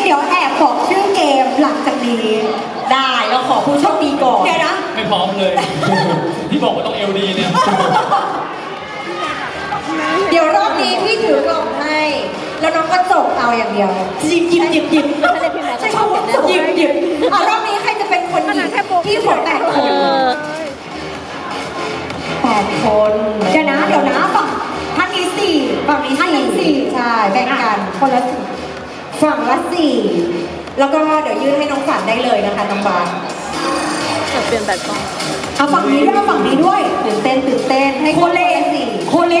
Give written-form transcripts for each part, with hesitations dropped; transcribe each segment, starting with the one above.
ดี๋ยวแอบบอกชื่อเกมหลังจากนี้ได้เราขอผู้โชคดีก่อนเดี๋ยวนะไม่พร้อมเลย พี่บอกว่าต้องเอลดีเนี่ยเดี๋ยวรอบนี้พี่ถือกล่องให้แล้วน้องก็จบเอาอย่างเดียวหยิบใช่เขาบอกหยิบเอารอบนี้ใครจะเป็นคนหยิบพี่ขอ8 คน8 คนเดี๋ยวนะฝั่งท่านนี้4ฝั่งนี้ท่านนี้4ใช่แบ่งกันคนละฝั่งละ4แล้วก็เดี๋ยวยื่นให้น้องฝันได้เลยนะคะน้องบาสจะเปลี่ยนแบบกล้องเอาฝั่งนี้ด้วยเอาฝั่งนี้ด้วยตื่นเต้นให้โคเลพร้อม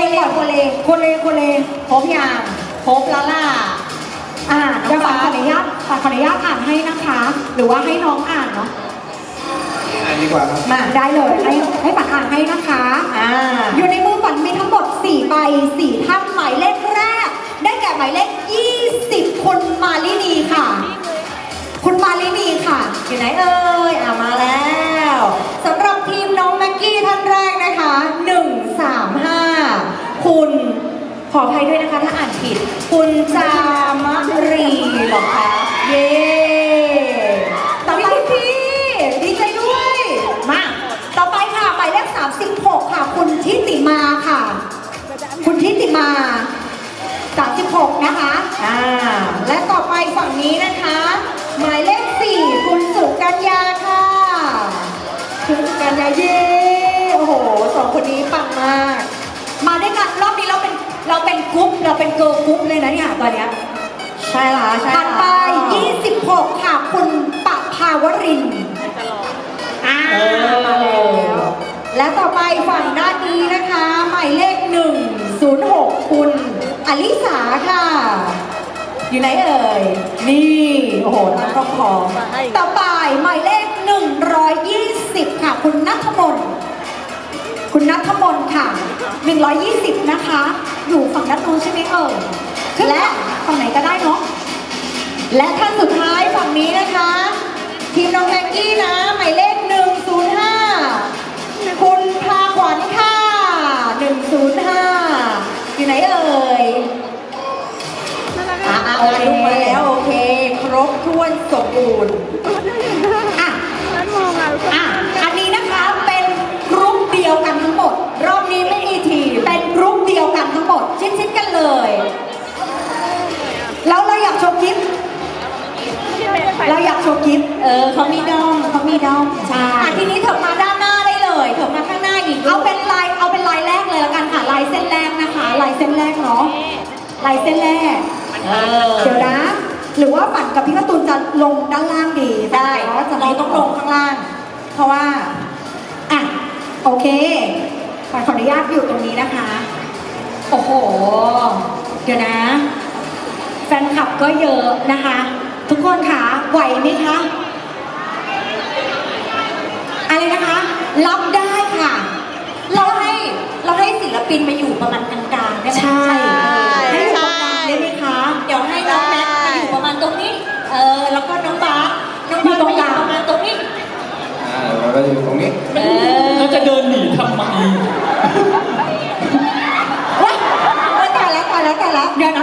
ยังครบแล้วล่ะน้องบาสขออนุญาตอ่านให้นะคะ หรือว่าให้น้องอ่านเนาะอ่านดีกว่าครับมาได้เลยให้ฝันอ่านให้นะคะอยู่ในมือฝันมีทั้งหมด4 ใบ 4 ท่านหมายเลขแรกได้แก่หมายเลข20คุณมาลินีค่ะคุณมาลินีค่ะอยู่ไหนเอ่ยมาแล้วสำหรับทีมน้องแม็กกี้ท่านแรกนะคะ135คุณขออภัยด้วยนะคะถ้าอ่านผิดคุณจามรีเหรอคะเย้ต่อไปพี่ดีใจด้วยมาต่อไปค่ะหมายเลข36ค่ะคุณทิติมาค่ะคุณทิติมา36นะคะและต่อไปฝั่งนี้นะคะหมายเลข4คุณสุกัญญาค่ะคุณสุกัญญาเย้โอ้โห2 คนนี้ปังมากมาด้วยกันรอบนี้เราเป็นกรุ๊ปเราเป็นเกิร์ลกรุ๊ปเลยนะเนี่ยตอนเนี้ยใช่ละถัดไป26ค่ะคุณปะภาวรินทร์มาแล้วและต่อไปฝั่งด้านนี้นะคะหมายเลข106คุณอลิสาค่ะอยู่ไหนเอ่ยนี่โอ้โหน้องก็ขอต่อไปหมายเลข120ค่ะคุณณัฐมนต์ค่ะ120นะคะอยู่ฝั่งด้านโน้นใช่ไหมเอ่ยและฝั่งไหนก็ได้เนาะและท่านสุดท้ายฝั่งนี้นะคะทีมน้องแม็กกี้นะหมายเลข105คุณพาขวัญค่ะ105อยู่ไหนเอ่ยลูกมาแล้วโอเคครบถ้วนสมบูรณ์อันนี้นะคะเป็นกรุ๊ปเดียวกันทั้งหมดรอบนี้ไม่มีทีเป็นกรุ๊ปเดียวกันทั้งหมดชิดๆกันเลยแล้วเราอยากโชว์คลิปเขามีดอมใช่ทีนี้เถิดมาด้านหน้าได้เลยเถิดมาข้างหน้าอีกเอาเป็นลายแรกเลยละกันค่ะลายเส้นแรกนะคะลายเส้นแรกเนาะลายเส้นแรกเดี๋ยวนะหรือว่าฝันกับพี่การ์ตูนจะลงด้านล่างดีได้เราต้องลงข้างล่างเพราะว่าโอเคฝันขออนุญาตอยู่ตรงนี้นะคะโอ้โหเดี๋ยวนะแฟนคลับก็เยอะนะคะทุกคนค่ะไหวไหมคะอะไรนะคะรับได้ค่ะเราให้ศิลปินมาอยู่ประมาณกลางๆได้ไหมใช่ให้อยู่ตรงกลางได้ไหมคะเดี๋ยวให้น้องแม็กมาอยู่ประมาณตรงนี้แล้วก็น้องบาสมาอยู่ประมาณตรงนี้เราก็อยู่ตรงนี้เขาจะเดินหนีทำไมตายแล้วเดี๋ยวนะ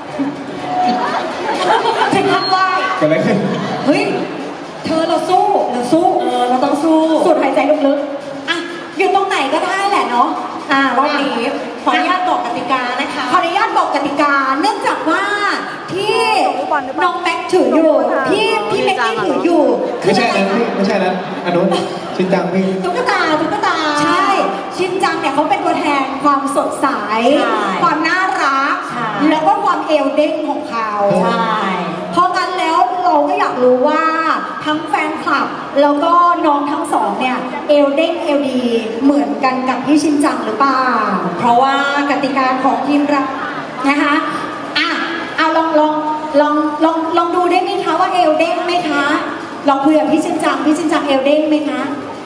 ถึงทำได้เกิดอะไรขึ้นเฮ้ยเธอเราสู้เราต้องสู้สูดหายใจลึกๆอยู่ตรงไหนก็ได้แหละเนาะรอบนี้ขออนุญาตบอกกติกานะคะขออนุญาตบอกกติกาเนื่องจากว่าที่น้องแม็กถืออยู่พี่แม็กกี้ถืออยู่ไม่ใช่นั้นอันนู้นชินจังพี่ตุ๊กตาใช่ชินจังเนี่ยเขาเป็นตัวแทนความสดใสความน่ารักแล้วก็ความเอลเด้งของเขาเพราะงั้นแล้วเราก็อยากรู้ว่าทั้งแฟนคลับแล้วก็น้องทั้งสองเนี่ยเอลเด้งเอลดีเหมือนกันกับพี่ชินจังหรือเปล่าเพราะว่ากติกาของทีมเรานะคะเอาลองดูได้ไหมคะว่าเอลเด้งไหมคะลองคุยกับพี่ชินจังเอลเด้งไหมคะ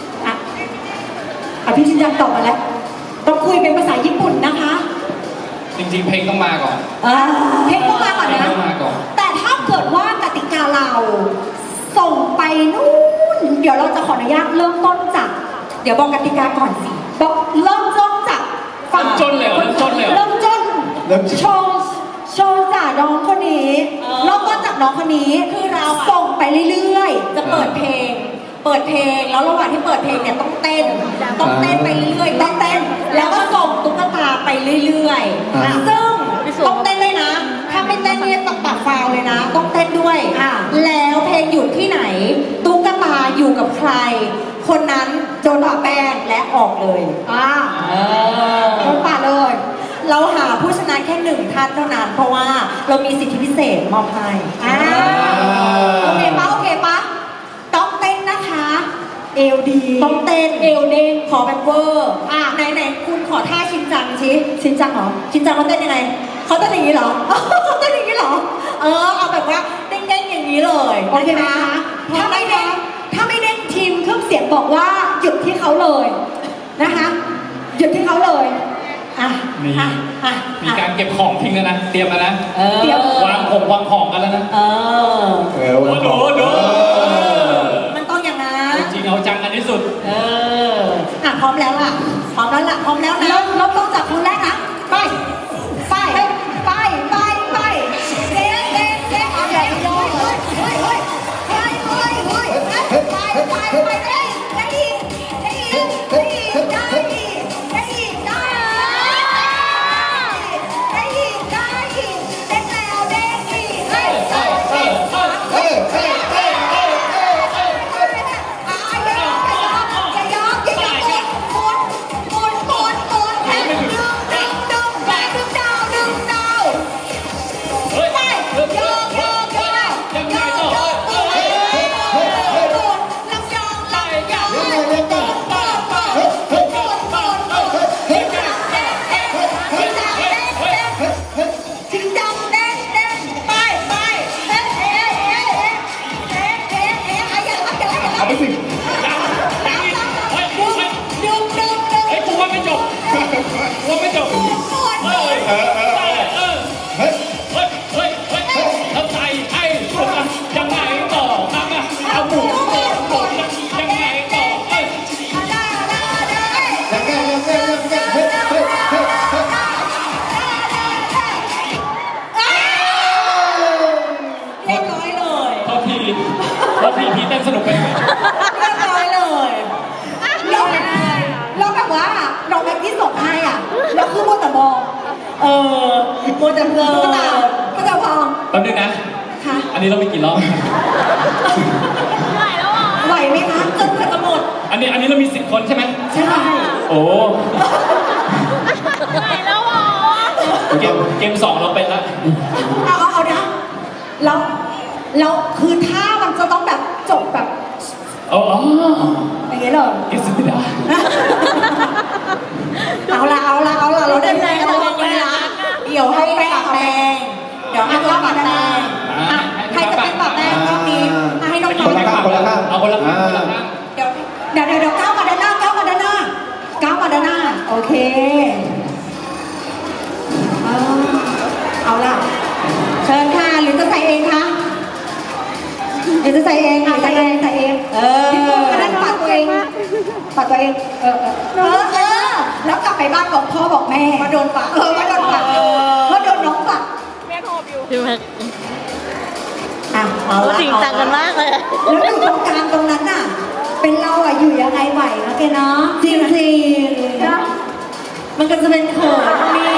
พี่ชินจังตอบมาแล้วต้องคุยเป็นภาษาญี่ปุ่นนะคะจริงๆเพลงต้องมาก่อนเพลงต้องมาก่อนนะแต่ถ้าเกิดว่ากติกาเราส่งไปนู่นเดี๋ยวเราจะขออนุญาตเริ่มต้นจากเดี๋ยวบอกกติกาก่อนสิบอกเริ่มต้นจากฝั่งจนเลยเริ่มต้นโชว์จากน้องคนนี้เริ่มต้นจากจากน้องคนนี้คือเราส่งไปเรื่อยๆ จะเปิดเพลง แล้วระหว่างที่เปิดเพลงเนี่ยต้องเต้นไปเรื่อยๆต้องเต้น แล้วก็ส่งตุ๊กตาไปเรื่อยๆซึ่งต้องเต้นด้วยนะ ถ้าไม่เต้นเนี่ยต้องปัดฟาวเลยนะ ต้องเต้นด้วยแล้วเพลงหยุดที่ไหน ตุ๊กตาอยู่กับใคร คนนั้นโดนปะแป้งและออกเลยโดนปะเลย เราหาผู้ชนะแค่หนึ่งท่านเท่านั้น เพราะว่าเรามีสิทธิพิเศษมอบให้โอเคปะต้องเต้นนะคะ เอวดีต้องเต้นเอวเด้งขอแบบเวอร์ไหนคุณขอท่าชินจังชินจังเหรอชินจังเขาเต้นยังไงเขาเต้นอย่างนี้เหรอ เขาเต้นอย่างนี้เหรอเอาแบบว่าเด้งๆอย่างนี้เลยโอเคไหมคะถ้าไม่เด้งทีมเครื่องเสียงบอกว่าหยุดที่เขาเลยนะคะหยุดที่เขาเลยมีการเก็บของทิ้งแล้วนะ เตรียมแล้วนะวางของกันแล้วนะดูมันต้องอย่างนั้นจริงเอาจังกันที่สุดพร้อมแล้วนะเริ่มต้นจากคนแรกนะไปเด้งใหญ่ย่อยพี่เต้นสนุกไปไหมเรียบร้อยเลยแล้วแบบว่าน้องแม็กที่ส่งให้แล้วคือมัวแต่มองมัวแต่เพลินก็จะพองแป๊บนึงนะอันนี้เราไปกี่รอบไหวไหมคะจนกว่าจะหมดอันนี้เรามี10 คนใช่ไหมใช่โอ้ไหวแล้วหรอเกม2เราเป็นละเอานะแล้วคือท่ามันจะต้องแบบจบแบบอย่างเงี้ยเลยกิสไม่ได้เอาละเราได้แรงเราได้ละเดี๋ยวให้ปะแป้งปะแป้งใครจะเป็นปะแป้งรอบนี้ให้น้องๆคนละข้างเอาคนละข้างเดี๋ยวก้าวมาด้านหน้าโอเคเอาล่ะเชิญค่ะหรือจะใส่เองคะใส่เองพี่ปุ๊กก็ได้ปัดตัวเองแล้วกลับไปบ้านบอกพ่อบอกแม่มาโดนปัดมาโดนน้องปัดแม่โทรอยู่พี่แม็กเอาจริงจังกันมากเลยแล้วอยู่ตรงกลางตรงนั้นน่ะเป็นเราอยู่ยังไงไหวนะแกเนาะจริงมันก็จะเป็นเขินนี่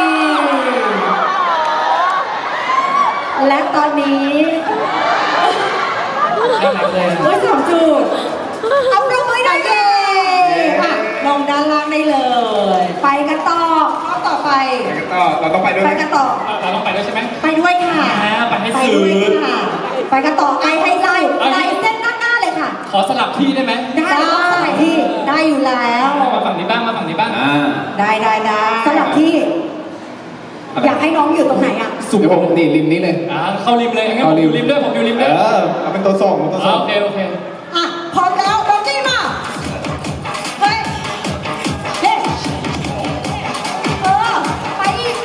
และตอนนี้2 จุดเอาลงมือได้เลยลงด้านล่างได้เลยไปกันต่อข้อต่อไปเราต้องไปด้วยไปกันต่อเราต้องไปด้วยใช่ไหมไปด้วยค่ะไปให้ซื้อไปกันต่อให้เส้นด้านหน้าเลยค่ะขอสลับที่ได้ไหมได้สลับที่ได้อยู่แล้วมาฝั่งนี้บ้างได้สลับที่อยากให้น้องอยู่ตรงไหนสูงผมนี่ริมนี้เลยเข้าริมเลยงั้นผมอยู่ริมด้วยผมอยู่ริมด้วยเอาเป็นตัวส่งโอเคพร้อมแล้วน้องจี้มาไปอีก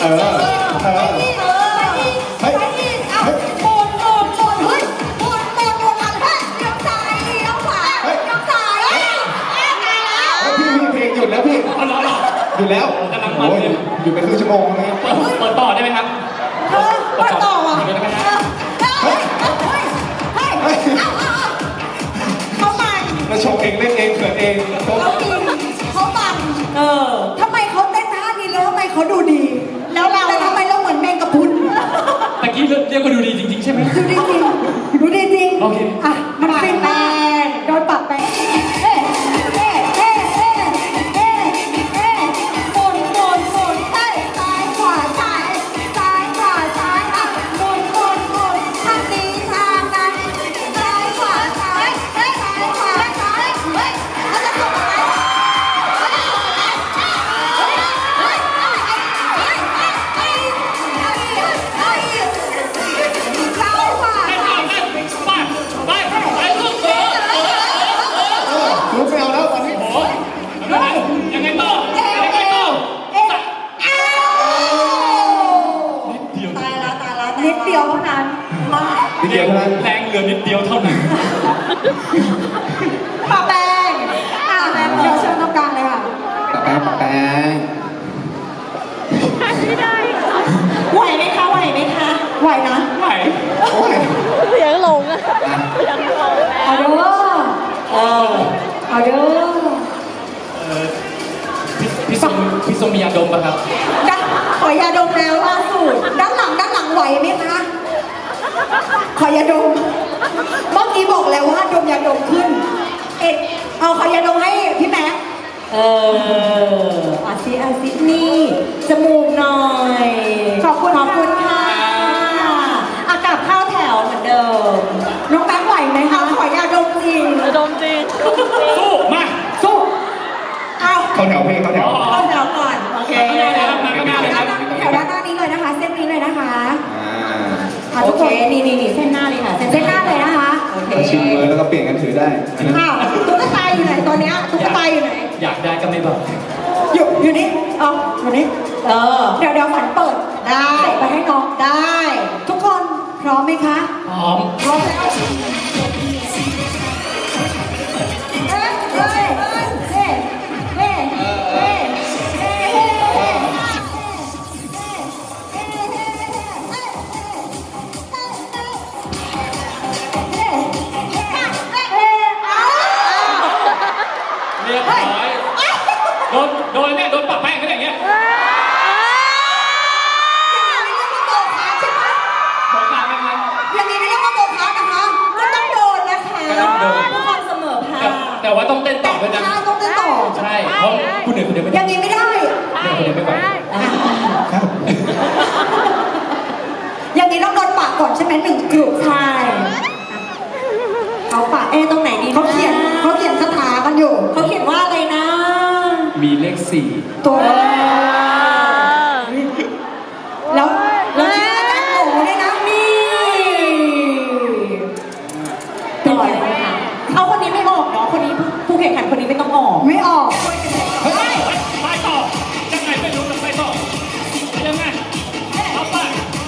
แล้วพี่อยู่แล้วกำลังมันเลยอยู่เป็นครึ่งชั่วโมงเลยเปิดต่อได้ไหมครับเปิดต่อว่ะชงเองเล่นเองเขินเองเขากินเขาบังทำไมเขาเต้นท่านี้แล้วทำไมเขาดูดี แล้วเราแต่ทำไมเราเหมือนแมงกะพรุนตะกี้เรียกว่าดูดีจริงๆใช่ไหมดูดีจริงดูดีจริงโอเคอ่ะมันฟินมากโดนปรับไปเอ๊ะเอ๊ะเอ๊ะเอ๊ะเอ๊ะเอ๊ะหมุนหมุนหมุนเอ้ยซ้ายขวาซ้ายซ้ายขวาซ้ายอ่ะหมุนหมุนหมุนทางนี้ทางนั้นซ้ายขวาซ้ายเอ้ยซ้ายขวาซ้ายเฮ้ยเขาจะส่งอะไรเขาจะส่งอะไรเฮ้ยเฮ้ยเฮ้ยเฮ้ยเฮ้ยเฮ้ยเฮ้ยซ้ายขวาไปลูกลุกไม่เอาแล้วตอนนี้โอ้ยยังไงต่อยังไงต่อตายละตายละนิดเดียวเท่านั้น มานิดเดียวเท่านั้นแรงเหลือนิดเดียวเท่านั้นปะแป้งแป้งเดี๋ยวเชิญตรงกลางเลยค่ะปะแป้งปะแป้งไหวไหมคะ ไหวไหมคะ ไหวนะไหวโอ้ยเสียงหลงอะเสียงหลงเอาเด้อเอาเด้อพี่ทรงมียาดมป่ะครับขอยาดมแล้วล่าสุดด้านหลังไหวไหมคะ ขอยาดม เมื่อกี้บอกแล้วว่าดมยาดมขึ้น เอาขอยาดมให้พี่แม็กอาซินี่จมูกหน่อย ขอบคุณค่ะอากาศเข้าแถวเหมือนเดิม น้องแม็กไหวไหมคะ ขอยาดมจริงดมจริงสู้มาสู้ เอาเข้าแถวพี่เข้าแถวเข้าแถวก่อน โอเคข้างหน้าเลยครับมาข้างหน้าเลยครับแถวด้านหน้านี้เลยนะคะ เส้นนี้เลยนะคะอ่าทุกคนนี่เส้นหน้าเลยค่ะ เส้นหน้าเลยนะคะ โอเคชิมเลยแล้วก็เปลี่ยนกันถือได้อ้าวตุ๊กตาอยู่ไหนตอนเนี้ยตุ๊กตาอยู่ไหนอยากได้ก็ไม่บอกอยู่นี่เอาอยู่นี่เดี๋ยวฝันเปิด ได้ไปให้น้องได้ ทุกคนพร้อมไหมคะพร้อมพร้อมแล้วเฮ้ยเฮ้ยเฮ้ยเฮ้ยเฮ้ยเฮ้ยเฮ้ยเรียบร้อยโดนเนี่ยโดนปะแป้งกันอย่างเงี้ยบอกมาไหมครับอย่างนี้ไม่เรียกว่าโมฆะนะคะก็ต้องโดนนะคะก็ต้องโดนทุกคนเสมอภาคแต่ว่าต้องเต้นต่อด้วยนะใช่ต้องเต้นต่อใช่เพราะคุณเหนื่อยคนเดียวไม่อได้ย่างนี้ไม่ได้เหนื่อยคนเดียวไม่ไหวครับอย่างนี้ต้องโดนปากก่อนใช่ไหมหนึ่งกลุ่มใช่เขาปากตรงไหนดีเขาเขียนคาถากันอยู่เขาเขียนว่าอะไรนะมีเลขตัวแล้วชื่ออาจารย์หมูด้วยนะนี่เป็นไงคะเอาคนนี้ไม่ออกเนาะคนนี้ผู้แข่งขันคนนี้ไม่ต้องออกไม่ออกเฮ้ยไปต่อยังไงไม่รู้แต่ไปต่อยังไงเอาไป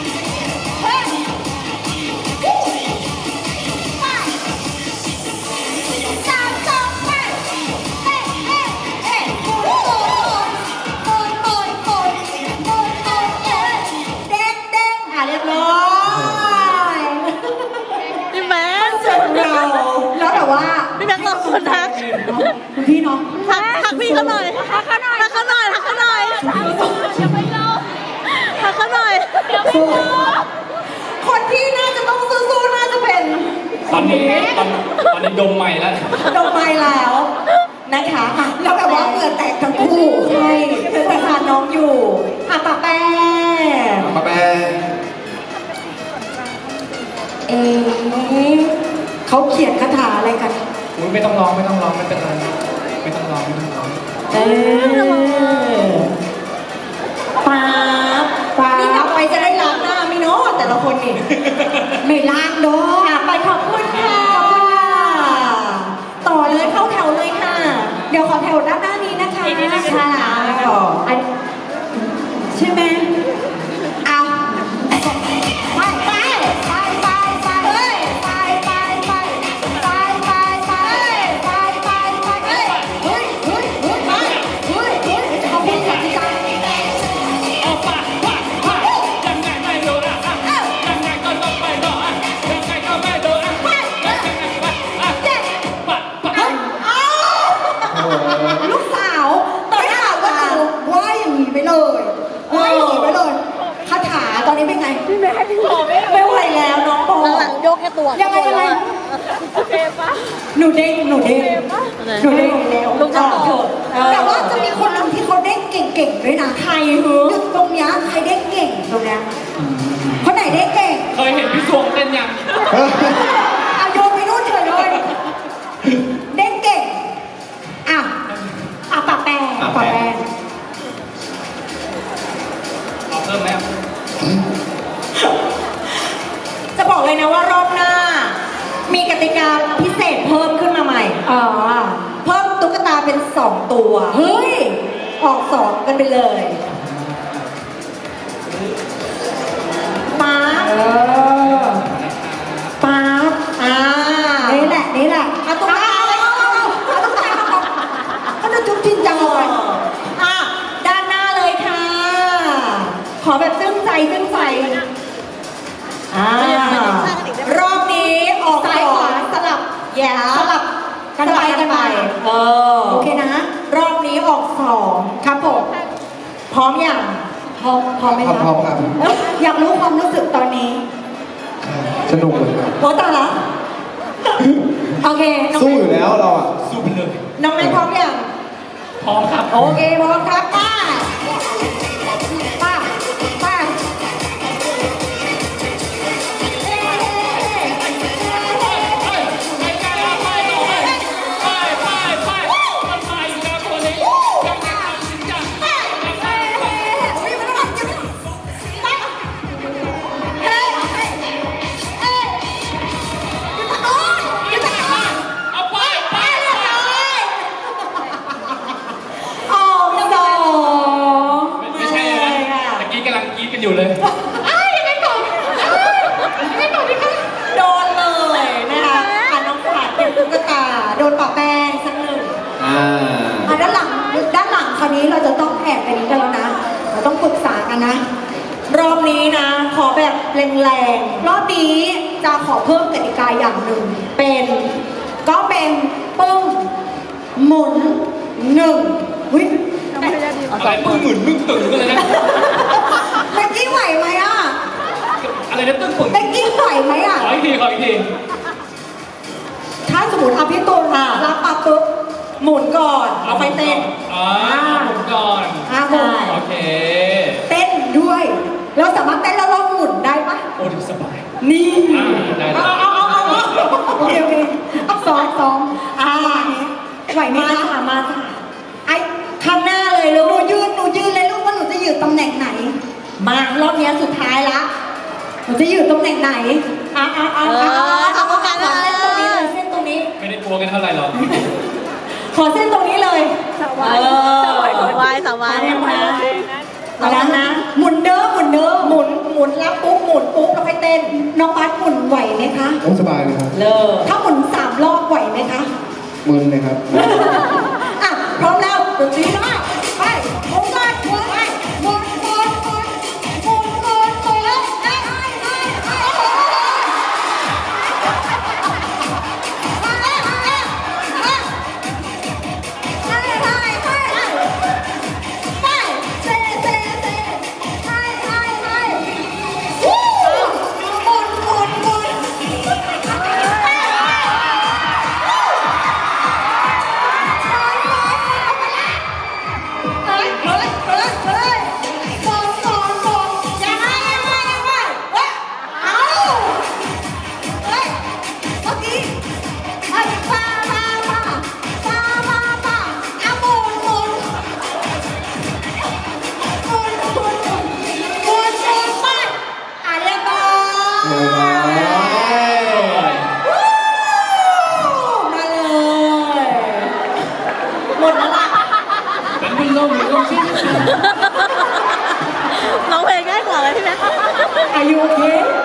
เรียบร้อยพี่แม็กซ์เสร็จเราแล้วแต่ว่าพี่แม็กซ์รอคนทักคุณพี่เนาะทักพี่เขาหน่อยทักเขาหน่อยทักเขาหน่อยทักเขาหน่อยอย่าไปรอทักเขาหน่อยอย่าไปรอคนที่น่าจะต้องสู้ๆน่าจะเป็นตอนนี้ดมใหม่แล้วดอกไม้แล้วนะคะอ่ะแล้วแบบว่าเหงื่อแตกทั้งคู่ใช่เป็นประธานน้องอยู่อ่ะปะแป้งปะแป้งเขาเขียนคาถาอะไรกันไม่ต้องร้องไม่เป็นไรไม่ต้องร้องป๊าบนี่กลับไปจะได้ล้างหน้าไหม่เนาะแต่ละคนนี่ ไม่ล้างดอกไปขอบคุณค่ะ ต่อเลยเข้าแถวเลยค่ะ เดี๋ยวขอแถวด้านหน้านี้นะคะค่ะอันใช่ไหมเอาไปไปไปไปไปเฮ้ยไปไปไปไปไปไปไปไปไปเฮ้ยเฮ้ยเฮ้ยเฮ้ยไปเฮ้ยเฮ้ยเขาพูดกันที่กันเอาปะยังไงไม่รู้นะยังไงก็ต้องไปต่อยังไงก็ตัวยังไงยังไงโอเคปะหนูเด้งหนูเด้งหนูเด้งแล้วลูกจะตอบเถอะแต่ว่าจะมีคนหนึงที่เขาเด้งเก่งๆด้วยนะใครเหรอตรงเนี้ยใครเด้งเก่งตรงเนี้ยคนไหนเด้งเก่งเคยเห็นพี่สวงเต้นยังเอาโยนไปนู่นเฉยเลยเด้งเก่งอ่ะปะแป้งปะแป้งเอาเพิ่มไหมจะบอกเลยนะว่ารอบหน้า มีกติกาพิเศษเพิ่มขึ้นมาใหม่เพิ่มตุ๊กตาเป็น 2 ตัว เฮ้ย ออก 2 กันไปเลยป๊าบป๊าบนี่แหละเอาตุ๊กตาเอาตุ๊กตาเขาจะจุ๊บจริงจังเลยด้านหน้าเลยค่ะ ขอแบบซึ้งใจรอบนี้ออกซ้ายขวาสลับสลับกันไปโอเคนะ รอบนี้ออก2ครับผมพร้อมอย่างพร้อมไหมคะพร้อมครับอยากรู้ความรู้สึกตอนนี้สนุกเลยครับโอ้ตายละโอเคน้องสู้อยู่แล้วเราอ่ะสู้ไปเลยน้องแม่พร้อมอย่างพร้อมครับโอเคพร้อมครับป้าไม่ใช่เลยนะตะกี้กำลังกรี๊ดกันอยู่เลยโดนเลยนะคะน้องขวัญเป็นตุ๊กตาโดนปะแป้งสักหนึ่งด้านหลังคราวนี้เราจะต้องแอบไปนี้กันแล้วนะ เราต้องปรึกษากันนะ รอบนี้นะ ขอแบบแรงๆรอบนี้จะขอเพิ่มกติกาอย่างหนึ่งเป็นปึ้งหมุน1วิอะไรมึงหมุนมึงตื่นกันเลยนะเบกกี้ไหวไหมอ่ะอะไรนะตึ้งปึ่งเบกกี้ไหวไหมอ่ะขออีกทีถ้าสมมติพี่ตูนรับปั๊บปุ๊บหมุนก่อนเอาไปเต้นหมุนก่อนหมุนโอเคเต้นด้วย เราสามารถเต้นแล้วเราหมุนได้ปะโอ้ดูสบายนี่ได้เอาโอเคซ้อมไหวไหมคะมาค่ะไอ้ข้างหน้าเลยลูกหนูยืนเลยลูกว่าหนูจะอยู่ตำแหน่งไหน มารอบนี้สุดท้ายละหนูจะอยู่ตำแหน่งไหนเอาโอกาสเส้นตรงนี้ไม่ได้กลัวกันเท่าไหร่หรอกขอเส้นตรงนี้เลยสวายเอาแล้วนะหมุนเด้อหมุนรับปุ๊บหมุนปุ๊บแล้วค่อยเต้นน้องบัสหมุนไหวไหมคะโอ้สบายเลยครับถ้าหมุน3 รอบไหวไหมคะมึนเลยครับพร้อมแล้วดนตรีมาไปหมุนไปหมุนน้องเพลงง่ายกว่าเลยพี่แม่อายุโอเค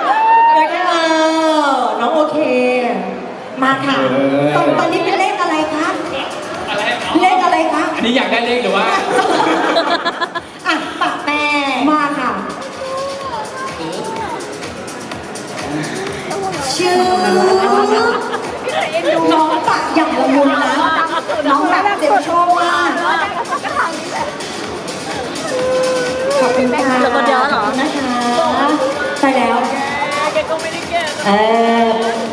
น้องโอเค มาค่ะตอนนี้เป็นเลขอะไรคะ เลขอะไรคะอันนี้อยากได้เลขหรือว่าปะแป้งมาค่ะ ชื่อน้องปะอย่างละมุนนะ น้องแบบเจ็บชอบมากขอบคุณค่ะแล้วก็เดี๋ยวเหรอนะคะไปแล้วแกก็ไม่ได้แก่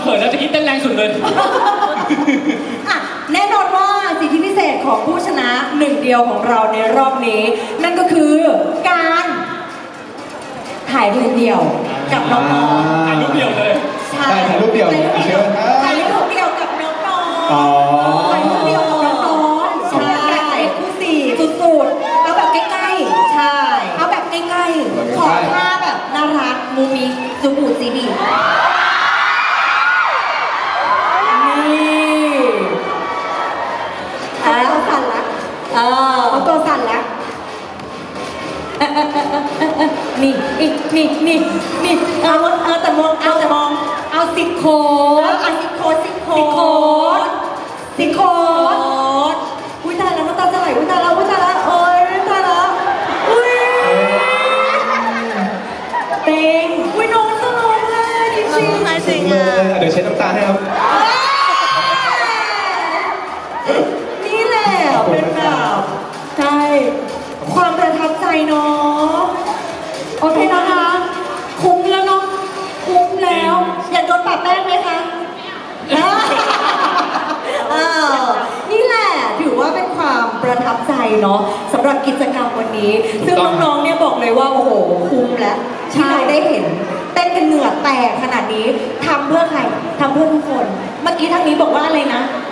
ขินแล้วจะคิดเต้นแรงสุดเลยอ่ะแน่นอนว่าสิทธิพิเศษของผู้ชนะหนึ่งเดียวของเราในรอบนี้ นั่นก็คือการถ่ายรูปเดียวกับน้องๆถ่ายรูปเดียวเลยใช่ได้ถ่ายรูปเดียวเลยเชิญครับถ่ายรูปเดียวกับน้องอ๋อๆถ่ายรูปเดียวกับน้องๆใช่แบบเอ็กซ์คลูซีฟสุดๆเอาแบบใกล้ๆใช่เอาแบบใกล้ๆขอท่าแบบน่ารักมูมิจูบูซีบีนี่เอาสั่นละเอาตัวสั่นละนี่เอาแต่มองเอาสิโค้ดอุ้ยตายแล้วน้ำตาจะไหลอุ้ยตายแล้วโอ๊ยตายแล้วอุ้ยเต็งอุ้ยน้องจะร้องไห้จริงๆหายจริงเลอ่ะยเดี๋ยวเช็ดน้ำตาให้ครับนี่แหละเป็นแบบใช่ความประทับใจเนาะโอเคนะคะ คุ้มแล้วเนาะคุ้มแล้ว อยากโดนปะแป้งไหมคะนี่แหละถือว่าเป็นความประทับใจเนาะสำหรับกิจกรรมวันนี้ ซึ่งน้องๆเนี่ยบอกเลยว่าโอ้โหคุ้มแล้วที่เราได้เห็นเต้นกันเหงื่อแตกขนาดนี้ทำเพื่อใครทำเพื่อทุกคน เมื่อกี้ทางนี้บอกว่าอะไรนะ